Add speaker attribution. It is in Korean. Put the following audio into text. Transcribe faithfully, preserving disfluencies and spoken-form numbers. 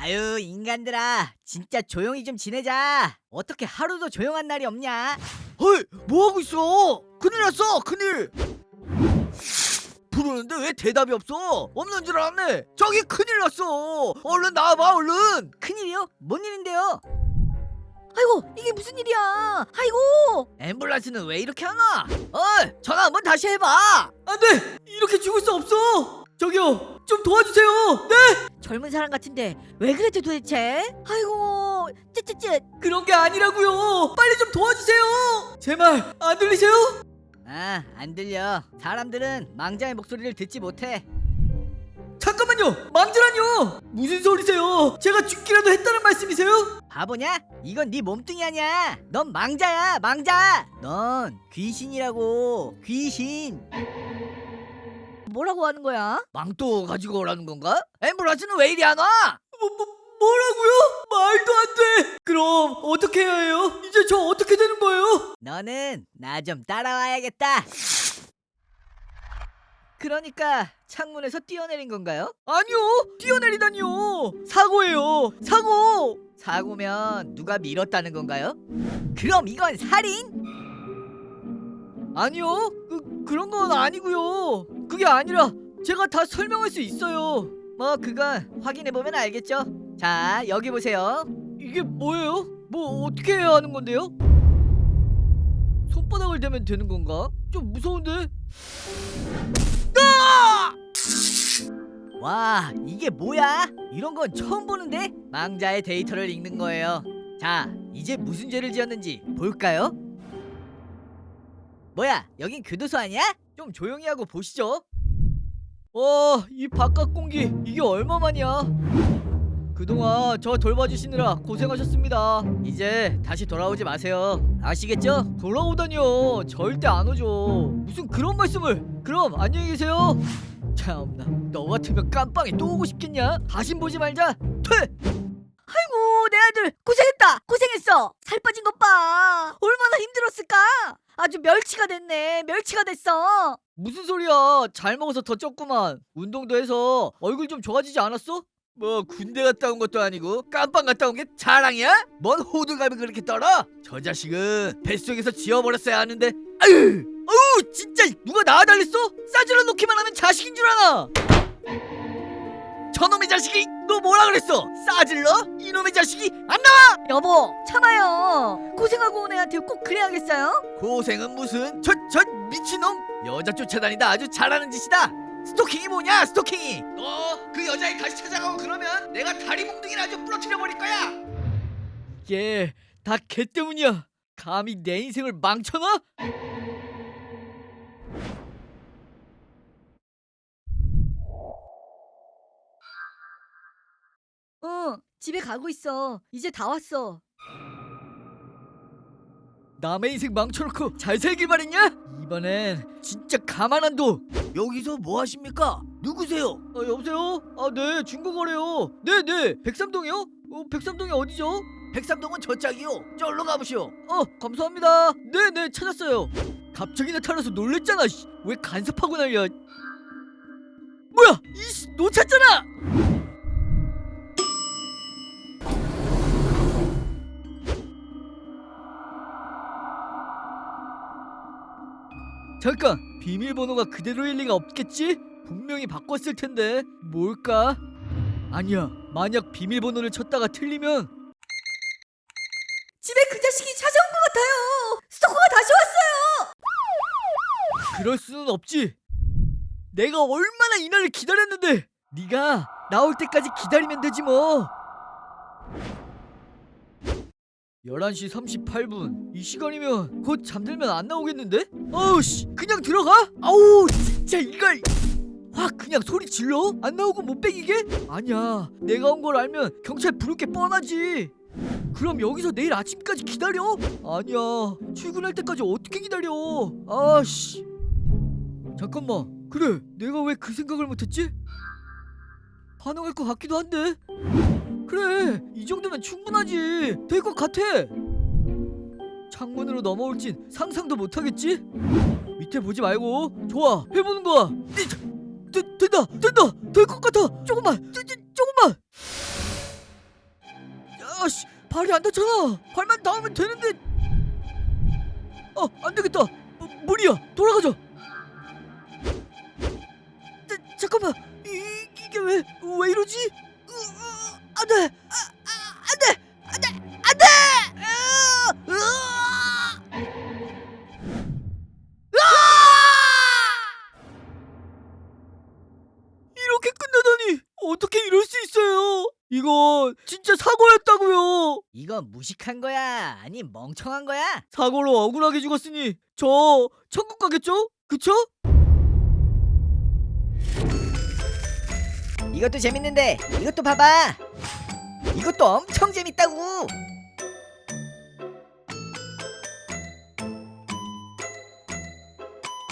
Speaker 1: 아유, 인간들아, 진짜 조용히 좀 지내자. 어떻게 하루도 조용한 날이 없냐?
Speaker 2: 헐, 뭐하고 있어? 큰일 났어, 큰일. 부르는데 왜 대답이 없어? 없는 줄 알았네. 저기 큰일 났어. 얼른 나와봐, 얼른.
Speaker 1: 큰일이요? 뭔 일인데요?
Speaker 3: 아이고, 이게 무슨 일이야? 아이고.
Speaker 2: 앰뷸런스는 왜 이렇게 안 와? 어이, 전화 한번 다시 해봐.
Speaker 4: 안돼! 이렇게 죽을 수 없어! 저기요, 좀 도와주세요! 네!
Speaker 3: 젊은 사람 같은데 왜 그랬지 도대체? 아이고, 쯧쯧쯧.
Speaker 4: 그런 게 아니라고요! 빨리 좀 도와주세요! 제 말 안 들리세요?
Speaker 1: 아, 안 들려. 사람들은 망자의 목소리를 듣지 못해.
Speaker 4: 잠깐만요! 망자라뇨! 무슨 소리세요? 제가 죽기라도 했다는 말씀이세요?
Speaker 1: 바보냐? 이건 네 몸뚱이 아니야. 넌 망자야, 망자. 넌 귀신이라고. 귀신.
Speaker 3: 뭐라고 하는 거야?
Speaker 2: 망토 가지고 오라는 건가? 앰뷸런스는 왜 이리 안 와?
Speaker 4: 뭐, 뭐, 뭐라고요? 말도 안 돼! 그럼 어떻게 해야 해요? 이제 저 어떻게 되는 거예요?
Speaker 1: 너는 나 좀 따라와야겠다. 그러니까 창문에서 뛰어내린 건가요?
Speaker 4: 아니요! 뛰어내리다니요! 사고예요! 사고!
Speaker 1: 사고면 누가 밀었다는 건가요? 그럼 이건 살인?
Speaker 4: 아니요, 그, 그런 건 아니고요. 그게 아니라 제가 다 설명할 수 있어요.
Speaker 1: 뭐 그건 확인해보면 알겠죠. 자, 여기 보세요.
Speaker 4: 이게 뭐예요? 뭐 어떻게 해야 하는 건데요? 손바닥을 대면 되는 건가? 좀 무서운데?
Speaker 1: 와, 이게 뭐야? 이런 건 처음 보는데? 망자의 데이터를 읽는 거예요. 자, 이제 무슨 죄를 지었는지 볼까요? 뭐야, 여긴 교도소 아니야? 좀 조용히 하고 보시죠.
Speaker 4: 와, 이 바깥 공기 이게 얼마만이야? 그동안 저 돌봐주시느라 고생하셨습니다.
Speaker 1: 이제 다시 돌아오지 마세요. 아시겠죠?
Speaker 4: 돌아오다니요, 절대 안 오죠. 무슨 그런 말씀을? 그럼 안녕히 계세요. 참나, 너 같으면 깜빵에 또 오고 싶겠냐? 다신 보지 말자. 퇴!
Speaker 3: 아이고, 내 아들 고생했다. 고생했어. 살 빠진 것 봐. 얼마나 힘들었을까? 아주 멸치가 됐네. 멸치가 됐어.
Speaker 4: 무슨 소리야? 잘 먹어서 더 쪘구만. 운동도 해서 얼굴 좀 좋아지지 않았어?
Speaker 2: 뭐 군대 갔다 온 것도 아니고 깜빵 갔다 온 게 자랑이야? 뭔 호들갑을 그렇게 떨어? 저 자식은 뱃속에서 지워버렸어야 하는데. 아유, 어우, 진짜 누가 낳아달랬어? 싸질러 놓기만 하면 자식인 줄 아나? 저놈의 자식이 너 뭐라 그랬어? 싸질러? 이놈의 자식이 안 나와!
Speaker 3: 여보, 참아요. 고생하고 온 애한테 꼭 그래야겠어요?
Speaker 2: 고생은 무슨? 저, 저 미친놈! 여자 쫓아다니다 아주 잘하는 짓이다! 스토킹이 뭐냐, 스토킹이! 너 그 여자애 다시 찾아가고 그러면 내가 다리 몽둥이를 아주 부러뜨려 버릴 거야!
Speaker 4: 얘 다 걔 때문이야. 감히 내 인생을 망쳐놔?
Speaker 3: 응, 집에 가고 있어. 이제 다 왔어.
Speaker 4: 남의 인생 망쳐놓고 잘 살길 바랬냐? 이번엔 진짜 가만 안 둬.
Speaker 2: 여기서 뭐 하십니까? 누구세요?
Speaker 4: 아, 여보세요? 아, 네, 중고거래요. 네, 네, 백삼동이요? 어, 백삼동이 어디죠?
Speaker 2: 백삼동은 저 짝이요. 저로 가보시오.
Speaker 4: 어, 감사합니다. 네, 네, 찾았어요. 갑자기 나타나서 놀랬잖아. 씨. 왜 간섭하고 난리야? 뭐야? 이씨, 놓쳤잖아. 잠깐, 비밀번호가 그대로일 리가 없겠지? 분명히 바꿨을 텐데 뭘까? 아니야, 만약 비밀번호를 쳤다가 틀리면
Speaker 3: 집에 그 자식이 찾아온 것 같아요. 스토커가 다시 왔어요.
Speaker 4: 그럴 수는 없지. 내가 얼마나 이날을 기다렸는데. 네가 나올 때까지 기다리면 되지 뭐. 열한 시 삼십팔 분. 이 시간이면 곧 잠들면 안 나오겠는데? 아우 씨, 그냥 들어가? 아우 진짜 이걸. 확 그냥 소리 질러? 안 나오고 못 빼기게? 아니야, 내가 온 걸 알면 경찰 부를 게 뻔하지. 그럼 여기서 내일 아침까지 기다려? 아니야, 출근할 때까지 어떻게 기다려? 아씨, 잠깐만. 그래, 내가 왜 그 생각을 못했지? 가능할 것 같기도 한데. 그래, 이 정도면 충분하지. 될 것 같아. 창문으로 넘어올진 상상도 못하겠지? 밑에 보지 말고. 좋아, 해보는 거야. 되, 된다, 된다, 될 것 같아. 조금만, 쪼, 쪼, 조금만. 발이 안 닿잖아. 발만 닿으면 되는데. 어, 안 되겠다. 어, 무리야. 돌아가자. 자, 잠깐만. 이, 이게 왜, 왜 이러지? 으, 으, 안 돼. 아, 아, 안 돼. 안 돼. 안 돼. 으, 으아! 이렇게 끝나다니. 어떻게 이럴 수 있어요? 이건 진짜 사고였다고요.
Speaker 1: 이건 무식한 거야? 아니 멍청한 거야?
Speaker 4: 사고로 억울하게 죽었으니 저 천국 가겠죠? 그쵸?
Speaker 1: 이것도 재밌는데 이것도 봐봐. 이것도 엄청 재밌다고.